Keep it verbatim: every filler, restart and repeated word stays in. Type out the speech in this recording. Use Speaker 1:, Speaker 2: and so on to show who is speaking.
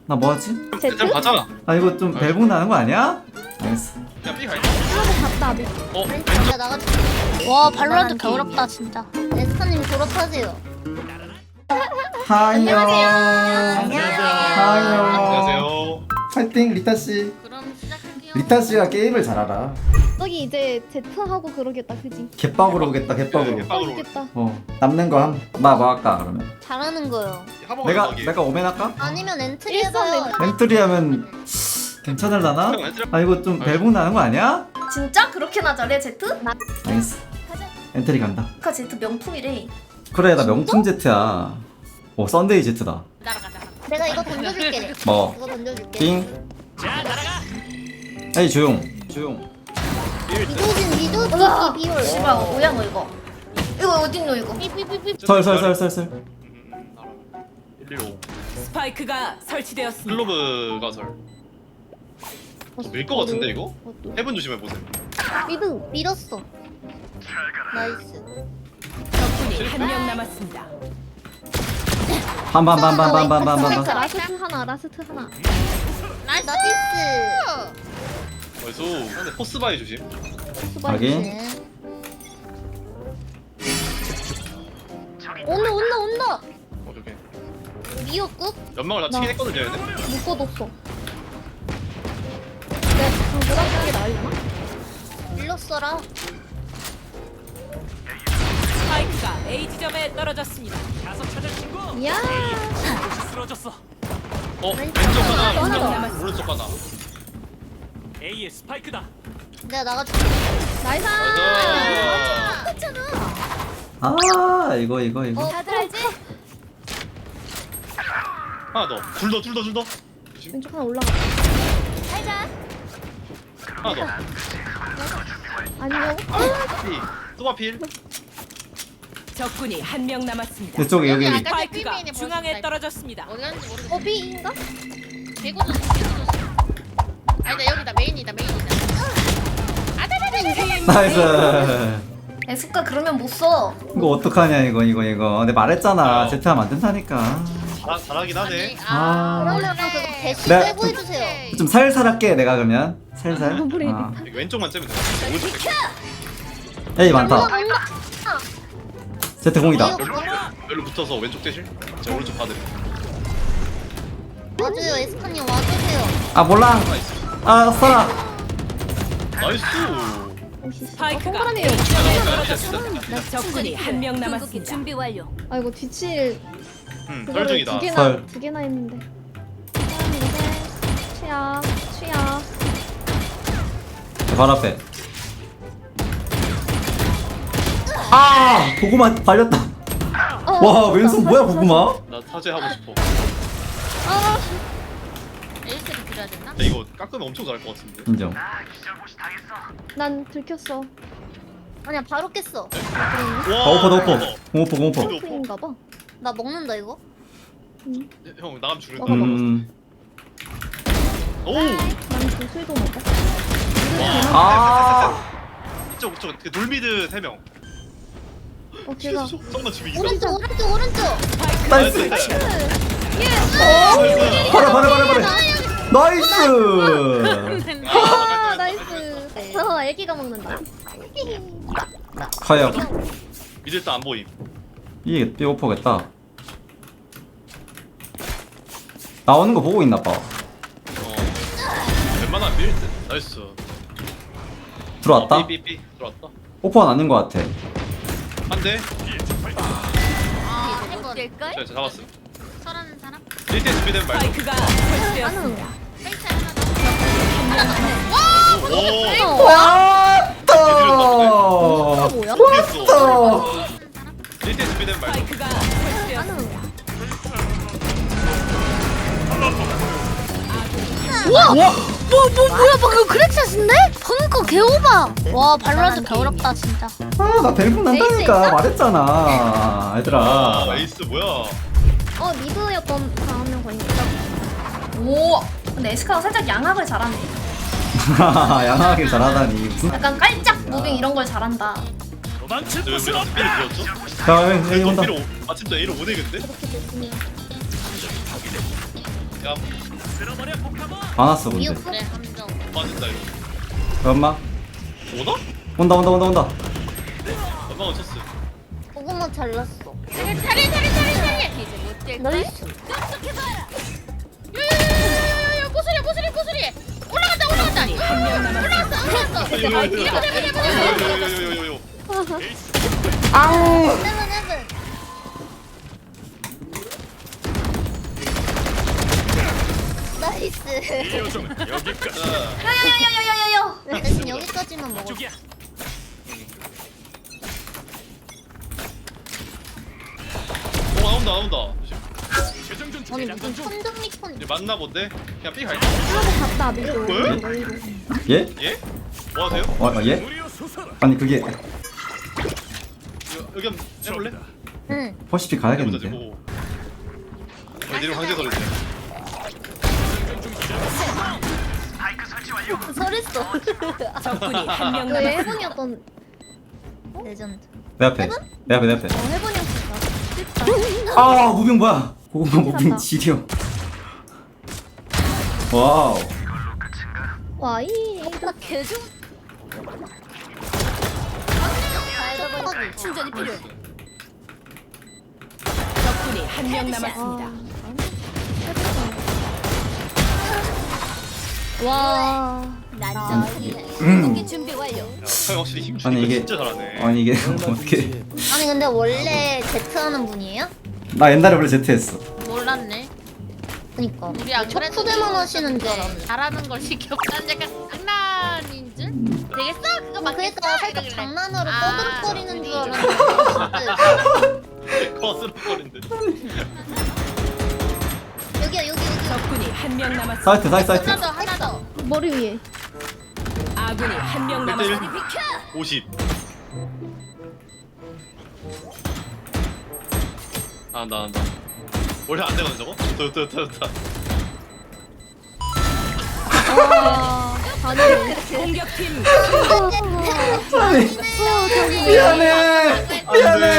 Speaker 1: 나 뭐하지?
Speaker 2: 제트?
Speaker 3: 일단 가자.
Speaker 1: 아 이거 좀 벨붕 나는 거 아니야? 알겠어.
Speaker 3: 야 B 가 있
Speaker 2: 하고 갔다 미
Speaker 3: 어?
Speaker 4: 내가 나가줄게. 와 발로란트 겨울없다 진짜. 에스카님 졸업하세요.
Speaker 1: 하이요.
Speaker 4: 안녕하세요.
Speaker 1: 하이요.
Speaker 3: 안녕하세요.
Speaker 1: 파이팅 리타 씨.
Speaker 4: 그럼 시작할게요.
Speaker 1: 리타 씨가 게임을 잘 알아.
Speaker 2: 저기 이제 제트하고 그러겠다 그지?
Speaker 1: 개빡으로 오겠다 개빡으로.
Speaker 3: 네, 개빡.
Speaker 2: 오겠다.
Speaker 1: 어 남는 거 함. 나 뭐 할까 그러면?
Speaker 4: 잘하는 거요.
Speaker 3: 한번
Speaker 1: 내가 내가 오멘 할까?
Speaker 4: 아니면 엔트리
Speaker 2: 일선
Speaker 4: 해봐요.
Speaker 2: 엔트리.
Speaker 1: 엔트리 하면 괜찮을라나? 아 이거 좀 벨붕 나는 거 아니야?
Speaker 5: 진짜? 그렇게나 잘해 제트?
Speaker 1: 알겠어. 엔트리 간다.
Speaker 5: 아까 제트 명품이래.
Speaker 1: 그래 나 명품 제트야. 오 썬데이 제트다.
Speaker 4: 내가 이거 던져줄게.
Speaker 1: 뭐?
Speaker 4: 이거 던져줄게.
Speaker 1: 띵. 에이 조용. 조용.
Speaker 4: 미도진 미도
Speaker 5: 우와,
Speaker 4: 비비 비올.
Speaker 5: 씨발 뭐야 너 이거? 이거 어딨노 이거?
Speaker 4: 삐삐삐삐.
Speaker 1: 설설설설설.
Speaker 3: 일일오.
Speaker 6: 스파이크가 설치되었습니다.
Speaker 3: 클로브 가설. 밀것 같은데 이거? 해븐 조심해 보세요.
Speaker 4: 미드 밀었어. 나이스.
Speaker 6: 적군이 한 명 남았습니다.
Speaker 1: 반반반반반반반반.
Speaker 2: 라스트 하나 라스트 하나.
Speaker 4: 나이스.
Speaker 3: 그래서 근데 포스바이 조심.
Speaker 1: 확인.
Speaker 4: 온다 온다 온다.
Speaker 3: 오케이 오케이.
Speaker 4: 미역국?
Speaker 3: 연막을 다
Speaker 2: 나.
Speaker 3: 치긴 했거든요 얘네.
Speaker 2: 못 걷었어. 네, 그럼 보라색이 게 나으려나?
Speaker 4: 밀렀어라.
Speaker 6: 스파이크가 A 지점에 떨어졌습니다.
Speaker 2: 이야.
Speaker 3: 어 왼쪽 하나,
Speaker 2: 하나
Speaker 3: 오른쪽
Speaker 2: 더.
Speaker 3: 하나, 오른쪽 하나.
Speaker 7: A의 스파이크다.
Speaker 4: 내가 나가줄게.
Speaker 2: 나이스.
Speaker 3: 나이스.
Speaker 1: 아 이거 이거 이거.
Speaker 4: 다들 알지?
Speaker 3: 하나 더. 둘 더, 둘 더, 둘 더. 조심.
Speaker 2: 왼쪽 하나 올라가.
Speaker 3: 하나 더.
Speaker 2: 아니요.
Speaker 3: 필. 또바 필.
Speaker 6: 적군이 한 명 남았습니다.
Speaker 1: 이쪽에 여기.
Speaker 4: 여기
Speaker 6: 스파이크가
Speaker 4: 삐삐삐네
Speaker 6: 중앙에
Speaker 4: 벌써
Speaker 6: 떨어졌습니다.
Speaker 4: 어디 갔는지 모르겠어.
Speaker 2: 어 B인가?
Speaker 4: 개고도 개고도. 아니다 여기다 메인이다 메인이다.
Speaker 1: 나이스.
Speaker 5: 에스카 그러면 못 써.
Speaker 1: 이거 어떡하냐 이거 이거 이거. 근데 말했잖아.
Speaker 3: 어.
Speaker 1: 제트 하면 안 된다니까.
Speaker 3: 잘, 잘하긴 하네.
Speaker 1: 아.
Speaker 4: 그러면 그거 대시
Speaker 1: 네.
Speaker 4: 빼고 해주세요.
Speaker 1: 좀 살살 할게 내가 그러면. 살살.
Speaker 2: 브레이드.
Speaker 1: 아.
Speaker 3: 이거 왼쪽만 째면 돼. 오른쪽 뺄게.
Speaker 1: 에이 많다. 제트 공이다.
Speaker 3: 여기로 붙어서 왼쪽 대실. 제가 오른쪽 받을.
Speaker 4: 와줘요 에스카님 와주세요.
Speaker 1: 아 몰라.
Speaker 3: 나이스.
Speaker 1: 아 써라.
Speaker 3: 나이스.
Speaker 6: 스파이크가
Speaker 2: 동그라미.
Speaker 6: A 지점에
Speaker 3: 아,
Speaker 6: 떨어졌습니다. 적군이 한 명 남았습니다. 준비 완료.
Speaker 2: 아 이거 뒤칠
Speaker 3: 음,
Speaker 2: 그거를
Speaker 3: 썰중이다.
Speaker 2: 두 개나
Speaker 1: 설.
Speaker 2: 두 개나 했는데. 취약 취약.
Speaker 1: 바로 앞에. 아 고구마 발렸다.
Speaker 2: 어,
Speaker 1: 와
Speaker 2: 맞다.
Speaker 1: 왼손 뭐야
Speaker 2: 맞다,
Speaker 1: 고구마?
Speaker 3: 나 타제 하고 싶어.
Speaker 4: 에이스를 드려야 되나?
Speaker 3: 근데 이거 깎으면 엄청 잘할 것 같은데.
Speaker 1: 인정.
Speaker 2: 난 들켰어.
Speaker 4: 아니야 바로 깼어.
Speaker 3: 와.
Speaker 1: 아 오퍼 나 오퍼. 공오퍼 공오퍼.
Speaker 3: 오퍼.
Speaker 2: 프인가 봐.
Speaker 4: 나 먹는다 이거.
Speaker 3: 형 나가면 죽는다.
Speaker 2: 먹어, 먹어.
Speaker 1: 음.
Speaker 3: 오.
Speaker 2: 난 구슬도 먹어.
Speaker 1: 아.
Speaker 3: 이쪽 이쪽 그 돌미드 세 명.
Speaker 2: 어 제가
Speaker 3: 정말 집이 이거.
Speaker 4: 오른쪽 오른쪽 오른쪽.
Speaker 1: 나이스.
Speaker 3: 나이스.
Speaker 1: 바로 바로 바로 바로. 나이스.
Speaker 2: 아 나이스. 어 애기가 먹는다.
Speaker 1: 과연
Speaker 3: 미드 일단 안 보임.
Speaker 1: 이게 삐 오퍼겠다. 나오는 거 보고 있나 봐.
Speaker 3: 어. 웬만하면 밀 듯. 나이스.
Speaker 1: 들어왔다.
Speaker 3: 삐삐삐 들어왔다.
Speaker 1: 오퍼는 아닌 거 같아.
Speaker 3: 한 대.
Speaker 4: 아 해본. 될걸?
Speaker 3: 자, 자 잡았음.
Speaker 4: 설하는 사람?
Speaker 3: 일 대 준비되면 말고.
Speaker 6: 스파이크가 설치되었습니다.
Speaker 4: 페이스 하나 더.
Speaker 3: 오.
Speaker 1: 왔다.
Speaker 2: 뭐야?
Speaker 3: 됐어. 일 대 준비되면 말고.
Speaker 6: 스파이크가 설치되었습니다.
Speaker 4: 우와! 뭐, 뭐, 뭐야, 방금 크랙샷인데? 방금 거 개오바! 와, 발로란트 겨울없다, 진짜.
Speaker 1: 아나 벨붕 난다니까 말했잖아. 얘들아.
Speaker 3: 아, 에이스 뭐야?
Speaker 2: 어 미드였던 다음명 걸린 거죠?
Speaker 5: 오. 근데 에스카가 살짝 양악을 잘하네.
Speaker 1: 양하게 잘하다니 무슨?
Speaker 5: 약간 깔짝 무빙 이런 걸 잘한다.
Speaker 7: 도망칠
Speaker 3: 저
Speaker 7: 곳은
Speaker 3: 우리
Speaker 7: 없다.
Speaker 3: B를 비웠죠?
Speaker 1: 자 여기 여기 온다.
Speaker 3: B로 아침부터 A로 오네 근데?
Speaker 2: 그렇게 됐으면
Speaker 3: 야
Speaker 7: 쓸어버려 폭탄아.
Speaker 1: 많았어 근데.
Speaker 2: 미역
Speaker 4: 그래 함정.
Speaker 3: 빠진다 이거.
Speaker 1: 엄마
Speaker 3: 오나?
Speaker 1: 온다 온다 온다 온다.
Speaker 3: 엄마가 쳤어.
Speaker 2: 고구마 잘랐어.
Speaker 4: 차례 차례 차례 차례 차례. 이제 못될 걸.
Speaker 2: 나이스.
Speaker 4: 야야야야야야 고수리 고수리 고수리. 올라간다 올라간다.
Speaker 6: 한명 남았습니다.
Speaker 4: 올라갔어 올라갔어.
Speaker 3: 요요요요요요요.
Speaker 2: 세븐 세븐. 나이스.
Speaker 7: 요정은 여기까지.
Speaker 5: 야야야야야야야.
Speaker 2: 대신 여기까지만 먹어.
Speaker 7: 쪽이야.
Speaker 3: 오 나온다 나온다.
Speaker 7: 최종전
Speaker 2: 아니
Speaker 7: 중이다.
Speaker 2: 무슨 천둥미콘.
Speaker 3: 이제 맞나 본데? 그냥 삐 갈까?
Speaker 2: 하고 갔다 미도.
Speaker 3: 왜?
Speaker 2: 너희로.
Speaker 1: 예?
Speaker 3: 예? 뭐 하세요?
Speaker 1: 어, 어 예?
Speaker 7: 무리여 솟아라.
Speaker 1: 아니 그게
Speaker 3: 이거, 여기 한번 해볼래?
Speaker 7: 적이다.
Speaker 2: 응.
Speaker 1: 퍼시픽
Speaker 3: 해보자
Speaker 1: 가야겠는데.
Speaker 3: 지금. 어, 내리면 강제 설했네.
Speaker 2: 설했어.
Speaker 6: 적군이 한명
Speaker 2: 너
Speaker 6: 남았습니다.
Speaker 2: 해본이었던 레전드.
Speaker 1: 내 앞에. 내 앞에 내 앞에.
Speaker 2: 어 해본이었어.
Speaker 1: 아 무빙 뭐야? 고구마 무빙
Speaker 2: 갔다.
Speaker 1: 지려. 와우.
Speaker 2: 와이.
Speaker 4: 나 개좀. 충전이 필요해.
Speaker 6: 적군이 한명 남았습니다.
Speaker 2: 와.
Speaker 4: 나
Speaker 1: 음.
Speaker 4: 저기 준비 완료.
Speaker 3: 야, 형 확실히 힘
Speaker 1: 아니,
Speaker 3: 주니까
Speaker 1: 이게-
Speaker 3: 진짜 잘하네.
Speaker 1: 아니 이게 어떻게?
Speaker 2: 아니 근데 원래 제트 하는 분이에요?
Speaker 1: 나 옛날에 원래 제트 했어.
Speaker 4: 몰랐네.
Speaker 2: 그니까.
Speaker 4: 우리 안
Speaker 2: 첫
Speaker 4: 그래도
Speaker 2: 후대만 하시는 줄
Speaker 4: 네,
Speaker 2: 알았는데.
Speaker 4: 잘하는 걸 시켜. 난 약간 장난인 줄. 되겠어? 그거 맞겠어?
Speaker 2: 그러니까 살짝
Speaker 4: 이러길래.
Speaker 2: 장난으로
Speaker 4: 아,
Speaker 2: 떠들거리는 줄
Speaker 4: 우리
Speaker 2: 알았는데.
Speaker 3: 거스름거린데.
Speaker 2: 여기야 여기 여기.
Speaker 6: 적군이 한명 남았습니다.
Speaker 1: 사이트 사이트 사이트.
Speaker 4: 하나 더 하나 더.
Speaker 2: 머리 위에.
Speaker 6: 아군이 한명
Speaker 3: 일 대 일.
Speaker 6: 남았습니다.
Speaker 3: 오십. 아, 나, 나. 원래 안 되거든, 저거? 좋다, 좋다, 좋다, 좋다.
Speaker 2: 와. 아니.
Speaker 6: 공격팀
Speaker 1: 미안해. 미안해.